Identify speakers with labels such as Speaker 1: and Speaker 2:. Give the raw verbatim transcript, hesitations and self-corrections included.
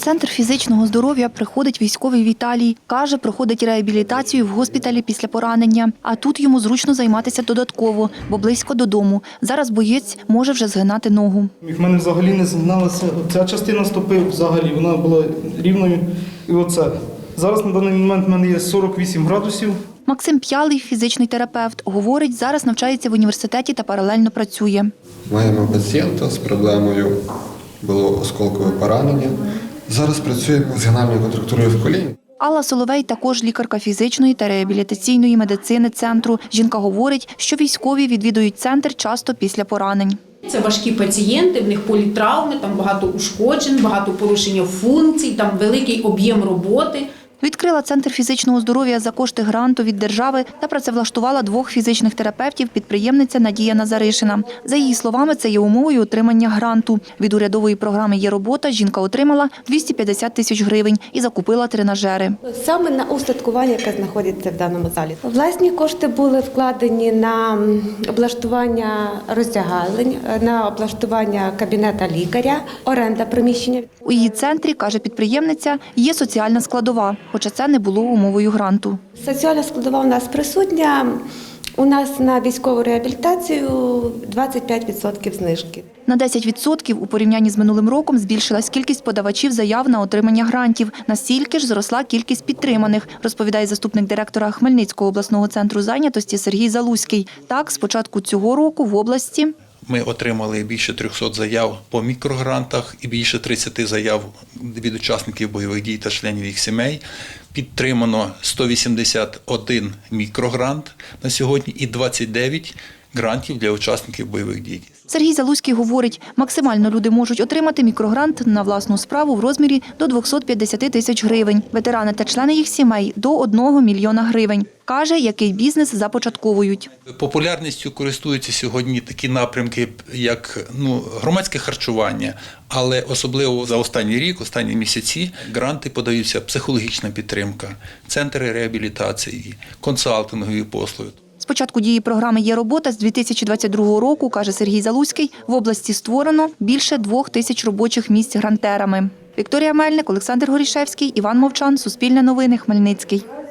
Speaker 1: центр фізичного здоров'я приходить військовий Віталій. Каже, проходить реабілітацію в госпіталі після поранення. А тут йому зручно займатися додатково, бо близько додому. Зараз боєць може вже згинати ногу.
Speaker 2: В мене взагалі не згиналася. Ця частина стопи взагалі, вона була рівною. І оце. Зараз на даний момент в мене є сорок вісім градусів.
Speaker 1: Максим П'ялий, фізичний терапевт, говорить, зараз навчається в університеті та паралельно працює.
Speaker 3: Маємо пацієнта з проблемою, було осколкове поранення. Зараз працюємо з генальною контрактурою в коліні.
Speaker 1: Алла Соловей також лікарка фізичної та реабілітаційної медицини центру. Жінка говорить, що військові відвідують центр часто після поранень.
Speaker 4: Це важкі пацієнти, в них політравми, там багато ушкоджень, багато порушення функцій, там великий об'єм роботи.
Speaker 1: Відкрила центр фізичного здоров'я за кошти гранту від держави та працевлаштувала двох фізичних терапевтів підприємниця Надія Назаришина. За її словами, це є умовою отримання гранту. Від урядової програми «Є робота» жінка отримала двісті п'ятдесят тисяч гривень і закупила тренажери.
Speaker 5: Саме на устаткування, яке знаходиться в даному залі. Власні кошти були вкладені на облаштування роздягалень, на облаштування кабінета лікаря, оренда приміщення.
Speaker 1: У її центрі, каже підприємниця, є соціальна складова, хоча це не було умовою гранту.
Speaker 5: Соціальна складова у нас присутня. У нас на військову реабілітацію двадцять п'ять відсотків знижки.
Speaker 1: На десять відсотків у порівнянні з минулим роком збільшилась кількість подавачів заяв на отримання грантів. Настільки ж зросла кількість підтриманих, розповідає заступник директора Хмельницького обласного центру зайнятості Сергій Залузький. Так, з початку цього року в області
Speaker 6: ми отримали більше трьохсот заяв по мікрогрантах і більше тридцяти заяв від учасників бойових дій та членів їх сімей. Підтримано сто вісімдесят один мікрогрант на сьогодні і двадцять дев'ять грантів для учасників бойових дій.
Speaker 1: Сергій Залузький говорить, максимально люди можуть отримати мікрогрант на власну справу в розмірі до двохсот п'ятдесят тисяч гривень. Ветерани та члени їх сімей – до одного мільйона гривень. Каже, який бізнес започатковують.
Speaker 6: Популярністю користуються сьогодні такі напрямки, як ну, громадське харчування, але особливо за останній рік, останні місяці, гранти подаються психологічна підтримка, центри реабілітації, консалтингові послуги.
Speaker 1: З початку дії програми «Є робота» з дві тисячі двадцять другого року, каже Сергій Залузький, в області створено більше двох тисяч робочих місць грантерами. Вікторія Мельник, Олександр Горішевський, Іван Мовчан, Суспільне новини, Хмельницький.